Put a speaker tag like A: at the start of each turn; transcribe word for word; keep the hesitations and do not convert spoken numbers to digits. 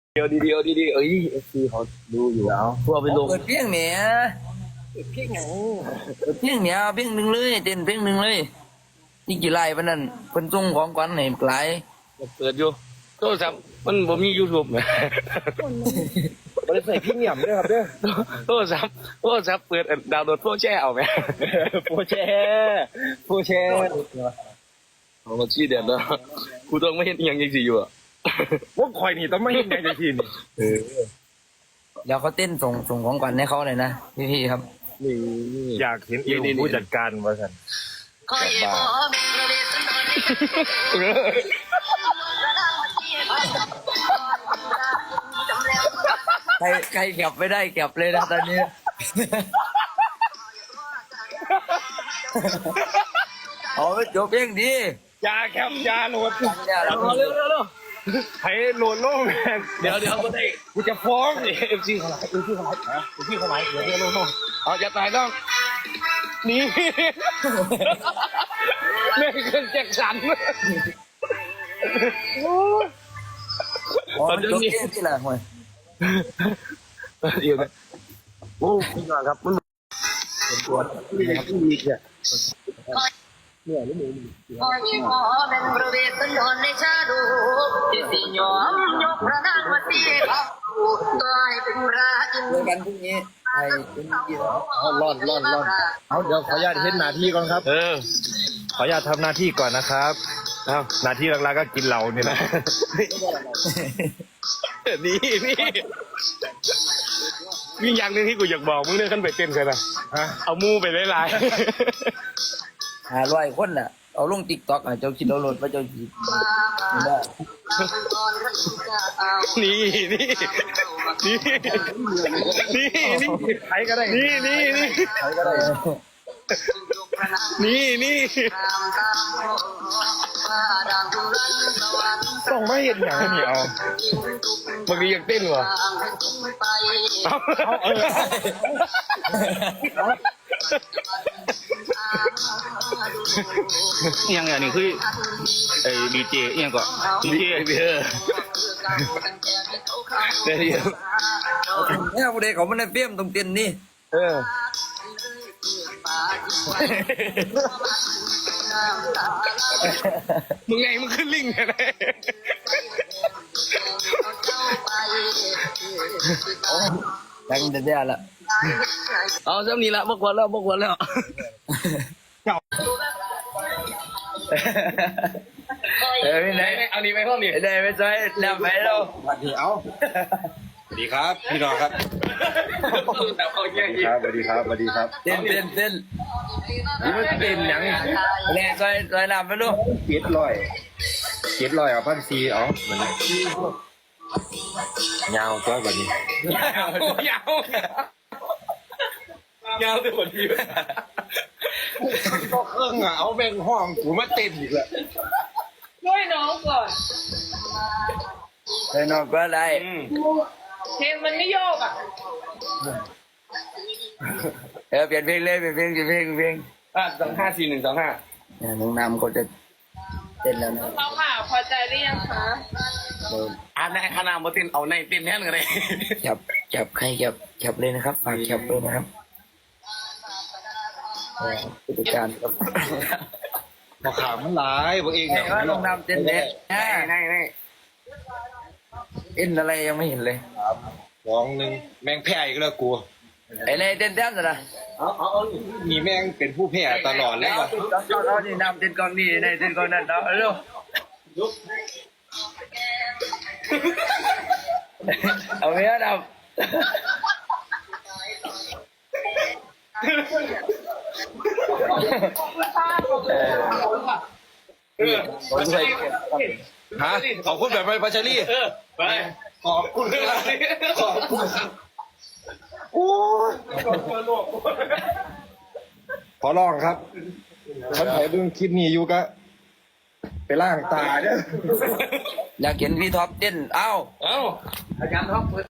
A: เดียวดีเดียวดีดีเอ้ยเอฟซีเขาดูอยู่แล้วพวกไปลง
B: เปิดเพียงเนี้ย
A: เพี้ยงอย่าง
B: เปิดเพียงเนี้ยเพียงหนึ่งเลยเต้นเพียงหนึ่งเลยนี่กี่ไร่ปะนั่นเพิ่นส่งของขวัญให้หลาย
A: เปิดอยู่โทรศัพท์มันบ่มียูทูบไหม
C: บริษัทพี่เหนียมด้วยครับเด้อ
A: โทรศัพท์โทรศัพท์เปิดดาวน์โหลดโปรแช่เอาไหม
C: โปรแชร์โปรแชร์
A: เอามาชี้เด่นแล้วกูต้องไม่เห็นอหย่างยังสิอยู่อ่ะ
C: ว่าคอยนี่ต้องไม่เห็นไงจะทีนี่
A: เออ
B: เดี๋ยวเขาเต้นส่งส่งของขวัญให้เขาเลยนะพี่ๆครับ
A: นี่นี่
C: อยากเห็นอีกผู้จัดการว่าสัน
D: คอยบ่แม่นระเบิดสันดอนจำแล้ว
B: ใครใครเก็บไม่ได้เก็บเลยนะตอนนี้ เอาไปจบเพียงดี
C: ยาแคปยาโหลด
B: อย่า
A: เร็
B: เรา
A: วเร็วเร็วเร็ว
C: ให้โหลดโล่แมน
A: เดี๋ยวเดี๋ยวก็ได้
C: กูจะฟ้อง
A: เอฟซีเขาไลฟ์เอฟซีเขาไลฟ์เอฟซีเขาไลฟ์เดี๋ยวเดี๋ยวเร็วเร็วเอาอย่าตายต้องนี่แม่งเครื่องแจ็คสัน
B: อ๋อจบเพียงที่ละห่วย
A: เดี๋ยวนะโอ้พี่น้องครับมันเป็นตัวนี่ครับมีเนี่ยเนี่ยนี่หมู
D: คอยบ่แม่นระเบิดสันดอนในชาดูที่สิยอมยกพระนางมาตีเขาตายเป็นราชิน
B: เจอกันพรุ่งนี้ไอ้เป็นกี่แล้ว
C: เอาร่อนร่อนร่อนเอาเดี๋ยวขออนุญาตเห็นหน้าที่ก่อนครับ
A: เออ
C: ขออนุญาตทำหน้าที่ก่อนนะครับเอาหน้าที่หลักๆก็กินเหล้านี่นะ
A: นี่นี่มีอย่างหนึงที่กูอยากบอกมึงเนี่ยขึ้นไปเต้นกันนะ
C: ฮะ
A: เอามูไปไล่
B: หาร้อยคนน่ะเอาลงติ๊กต็อกอ่ะเจ้าคิดเอาโหลดมาเจ้าคิดได้
A: ๆนี่นี่นี่นี่นี่
C: ใครก็ได้
A: นี่นี่นี่
B: ใครก็ได้
A: นี่นี่
C: ต้องไม่เห็นอย่างนี้เอา
A: บางทีอยากเต้นวะเอาเอาเออ
E: ยังไงนี่คือไอ้ดีเจยังก็ดีเจ
A: เดี๋ยวเดี๋ยว
B: เนี่ยผู้ใดเขาไม่ได้เฟี้ยมตรงเตียนนี่
A: เออ มึงไงมึงขึ้นลิงไง
B: แต่งแต่เดียวละ
A: เอาเจ้านี้ละบกวนแล้วบกวนแล้ว
B: เออไม่ไหน
A: เอานี้ไปห้องนี้
B: ไม่ได้ไม่ใช่แล้วไปแล้ว
C: เอาสวัสดีครับ พี่น้องครับ
A: แต่เขาแย่
C: ครับสวัสดีครับสวัสดีครับ
B: เต้นเต้นเต้น
C: นี่มันเป็นหยัง
B: เนี่ยซอยซอยน้ำไปลูก
C: เจ็ดลอยเจ็ดลอยเอาพันซีเอาเหมือนยาวจ้อยกว่านี้
A: ยาวยาวตัวที
C: ก็เครื่องอ่ะเอาแบ่งห้องกูมาเต้นอีกแล้ว
F: ด้วยน้องก่อน
B: ไปนอนก็ได้
F: เพลงมันไม่โยกอ่ะ
B: เออเปลี่ยนเพลงเลยเปลี่ยนเพลงเปลี่ยนเพลงเพลง
A: อ่ะสองห้าสี่หนึ่งสองห้า
B: เนี่ยน้องน้ำก็จะเต้นแล้วนะ
F: เขาค่ะพอใจหรือยังคะ
B: เดิน
A: อ่ะในคณะมาเต้นเอาในเต้นแทนกันเลย
B: จับจับใครจับจับเลยนะครับฝากจับเลยนะครับเออผู้จัดการครับ
C: พอขามันหลายพวกเอง
B: เห็นว่าน้องน้ำเต้นเด็ด
A: ในใน
B: เต้นอะไรยังไม่เห็นเลย
C: สองหนึ่งแมงแพ้อีกแล้วกู
B: ไอ้เลยเต้นแต้มสินะ
C: มีแมงเป็นผู้แพ้ตลอดเลยว่ะ
B: เอาเอานี่น้ำเต้นกองนี่ในเต้นกองนั่นเนาะเร็วเอาเมียดำเออผมเคย
C: ฮะขอบคุณแบบไปพัชรี
A: เออไป
C: ขอบคุณครับขอบคุณโอ้ยขอร้องครับฉันขอดูคลิปนี้อยู่ก็ไปล่างตาเด้อ
B: อยากเห็นพี่ท็อปเต้นเอ้า
A: เอ้า
B: อาจารย์ท็อป